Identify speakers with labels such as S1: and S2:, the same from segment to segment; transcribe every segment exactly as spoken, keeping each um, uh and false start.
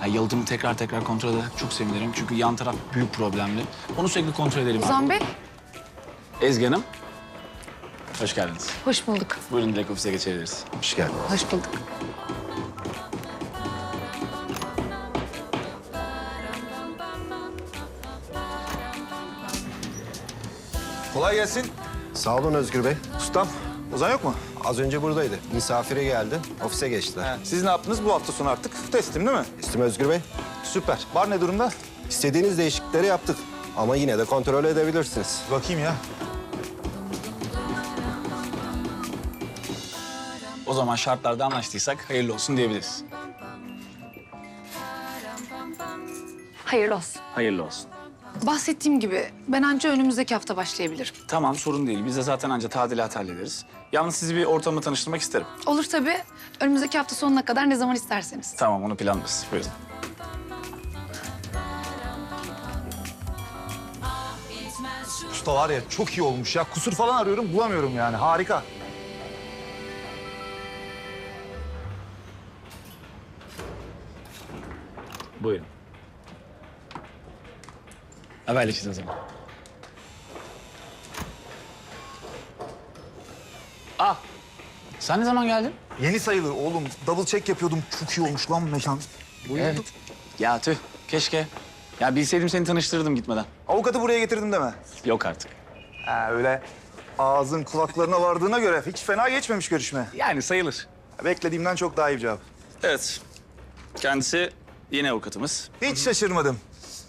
S1: Ha, yalıtımı tekrar tekrar kontrol ederek çok sevinirim. Çünkü yan taraf büyük problemli. Onu sürekli kontrol edelim.
S2: Ozan Bey,
S1: Ezgi Hanım, hoş geldiniz.
S2: hoş bulduk.
S1: Buyurun direkt ofise geçebiliriz.
S3: Hoş geldin.
S2: Hoş bulduk.
S4: Kolay gelsin.
S3: Sağ olun Özgür Bey.
S4: Ustam, Ozan yok mu?
S3: Az önce buradaydı. Misafire geldi. Ofise geçtiler.
S4: He, siz ne yaptınız bu hafta sonu artık? Teslim değil mi?
S3: İstim Özgür Bey.
S4: Süper. Bar ne durumda?
S3: İstediğiniz değişiklikleri yaptık. Ama yine de kontrol edebilirsiniz.
S4: Bakayım ya.
S1: O zaman şartlarda anlaştıysak hayırlı olsun diyebiliriz.
S2: Hayırlı olsun.
S1: Hayırlı olsun.
S2: Bahsettiğim gibi ben anca önümüzdeki hafta başlayabilirim.
S1: Tamam, sorun değil. Biz de zaten anca tadilat hallederiz. Yalnız sizi bir ortamla tanıştırmak isterim.
S2: Olur tabii. Önümüzdeki hafta sonuna kadar ne zaman isterseniz.
S1: Tamam, onu planlarız. Buyurun.
S4: Usta var ya çok iyi olmuş ya. Kusur falan arıyorum bulamıyorum yani. Harika.
S1: Buyurun. Haberleşiriz o zaman. Ah, sen ne zaman geldin?
S4: Yeni sayılır oğlum. Double check yapıyordum. Çok iyi olmuş lan mekan.
S1: Evet. Ya tüh, keşke. Ya bilseydim seni tanıştırırdım gitmeden.
S4: Avukatı buraya getirdim deme.
S1: Yok artık.
S4: Ha öyle ağzın kulaklarına vardığına göre hiç fena geçmemiş görüşme.
S1: Yani sayılır.
S4: Beklediğimden çok daha iyi bir cevap.
S1: Evet. Kendisi yine avukatımız.
S4: Hiç şaşırmadım.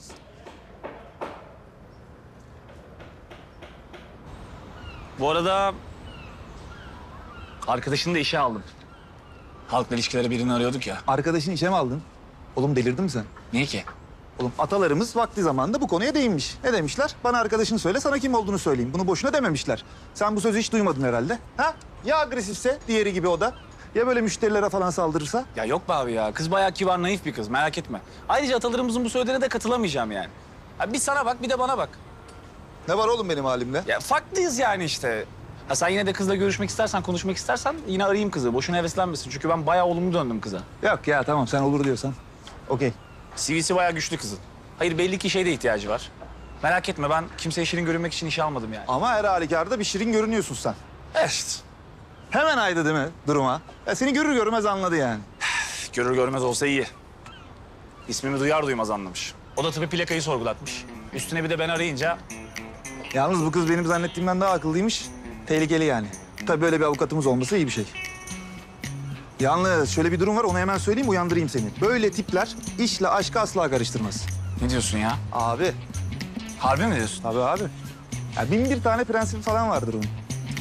S1: Bu arada arkadaşını da işe aldım. Halkla ilişkileri birini arıyorduk ya.
S4: Arkadaşını işe mi aldın? Oğlum delirdin mi sen?
S1: Niye ki?
S4: Oğlum atalarımız vakti zamanında bu konuya değinmiş. Ne demişler? Bana arkadaşını söyle, sana kim olduğunu söyleyeyim. Bunu boşuna dememişler. Sen bu sözü hiç duymadın herhalde. Ha? Ya agresifse, diğeri gibi o da. Ya böyle müşterilere falan saldırırsa?
S1: Ya yok be abi ya. Kız bayağı kibar, naif bir kız. Merak etme. Ayrıca atalarımızın bu söylediğine de katılamayacağım yani. Ya bir sana bak, bir de bana bak.
S4: Ne var oğlum benim halimle?
S1: Ya farklıyız yani işte. Ha sen yine de kızla görüşmek istersen, konuşmak istersen yine arayayım kızı. Boşuna heveslenmesin. Çünkü ben bayağı olumlu döndüm kıza.
S4: Yok ya tamam sen olur diyorsan. Okey.
S1: C V'si bayağı güçlü kızın. Hayır belli ki şeyde ihtiyacı var. Merak etme ben kimseye şirin görünmek için işe almadım yani.
S4: Ama her halükarda bir şirin görünüyorsun sen.
S1: Evet.
S4: Hemen aydı değil mi duruma? Ya seni görür görmez anladı yani.
S1: Görür görmez olsa iyi. İsmimi duyar duymaz anlamış. O da tabii plakayı sorgulatmış. Üstüne bir de ben arayınca...
S4: Yalnız bu kız benim zannettiğimden daha akıllıymış. Tehlikeli yani. Tabii böyle bir avukatımız olması iyi bir şey. Yalnız şöyle bir durum var, onu hemen söyleyeyim, uyandırayım seni. Böyle tipler işle aşkı asla karıştırmaz.
S1: Ne diyorsun ya?
S4: Abi,
S1: Harbi mi diyorsun?
S4: tabii abi. Ya bin bir tane prensibi falan vardır onun.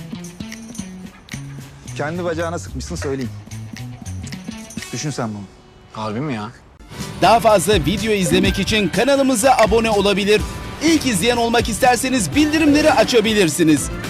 S4: Kendi bacağına sıkmışsın söyleyeyim. Düşün sen bunu.
S1: Harbi mi ya?
S5: Daha fazla video izlemek için kanalımıza abone olabilir. İlk izleyen olmak isterseniz bildirimleri açabilirsiniz.